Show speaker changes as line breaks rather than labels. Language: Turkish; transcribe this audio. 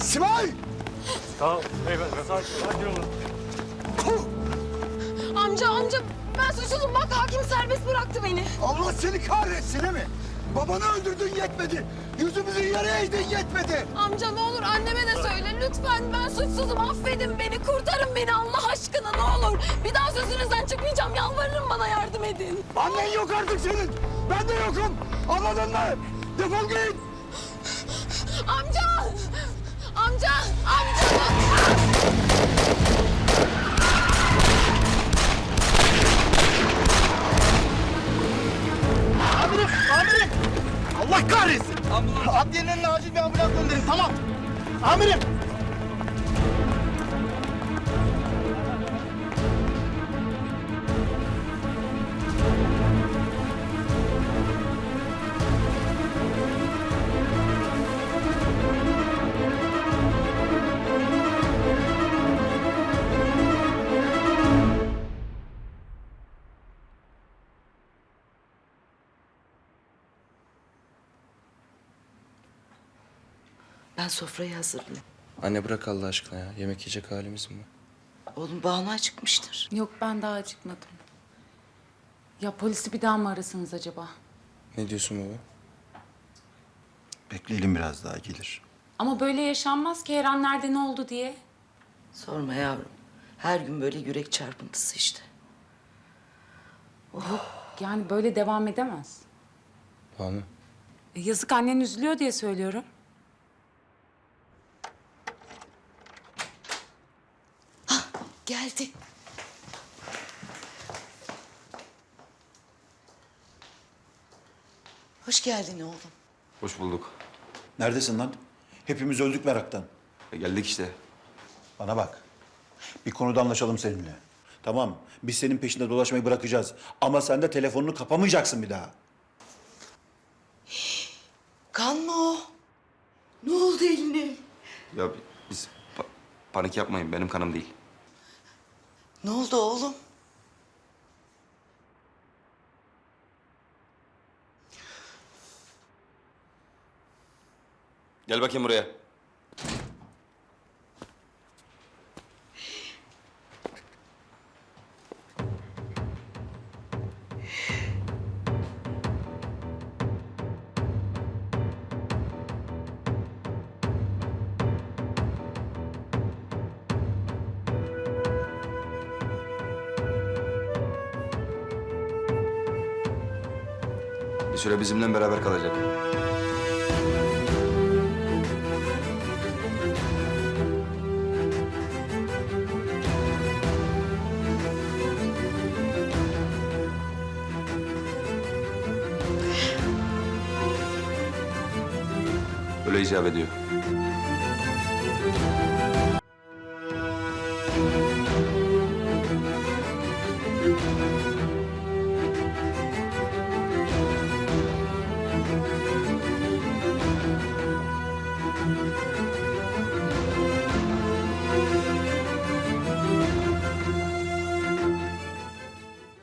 Simay!
Tamam beyefendi, sakin olun.
Amca ben suçsuzum, bak hakim serbest bıraktı beni.
Allah seni kahretsin değil mi? Babanı öldürdün yetmedi. Yüzümüzü yere eğdin yetmedi.
Amca ne olur anneme de söyle lütfen, ben suçsuzum, affedin beni, kurtarın beni Allah aşkına ne olur. Bir daha sözünüzden çıkmayacağım, yalvarırım, bana yardım edin.
Annen yok artık senin. Ben de yokum. Anladın mı? Defol git.
Amca! Amca!
Amirim! Allah kahretsin! Adliyenin önüne acil bir ambulans gönderin, tamam. Amirim!
Ben sofrayı hazırlayayım.
Anne bırak Allah aşkına ya. Yemek yiyecek halimiz mi var?
Oğlum Banu acıkmıştır.
Yok ben daha acıkmadım. Ya polisi bir daha mı arasanız acaba?
Ne diyorsun baba?
Bekleyelim biraz daha gelir.
Ama böyle yaşanmaz ki her an nerede ne oldu diye.
Sorma yavrum. Her gün böyle yürek çarpıntısı işte.
Yani böyle devam edemez.
Banu.
Yazık annen üzülüyor diye söylüyorum.
Geldi. Hoş geldin oğlum.
Hoş bulduk.
Neredesin lan? Hepimiz öldük meraktan.
Geldik işte.
Bana bak. Bir konuda anlaşalım seninle. Tamam, biz senin peşinde dolaşmayı bırakacağız. Ama sen de telefonunu kapamayacaksın bir daha.
Kan mı o? Ne oldu eline?
Ya biz panik yapmayın. Benim kanım değil.
Ne oldu oğlum?
Gel bakayım buraya. Bir süre bizimle beraber kalacak. Öyle icap ediyor.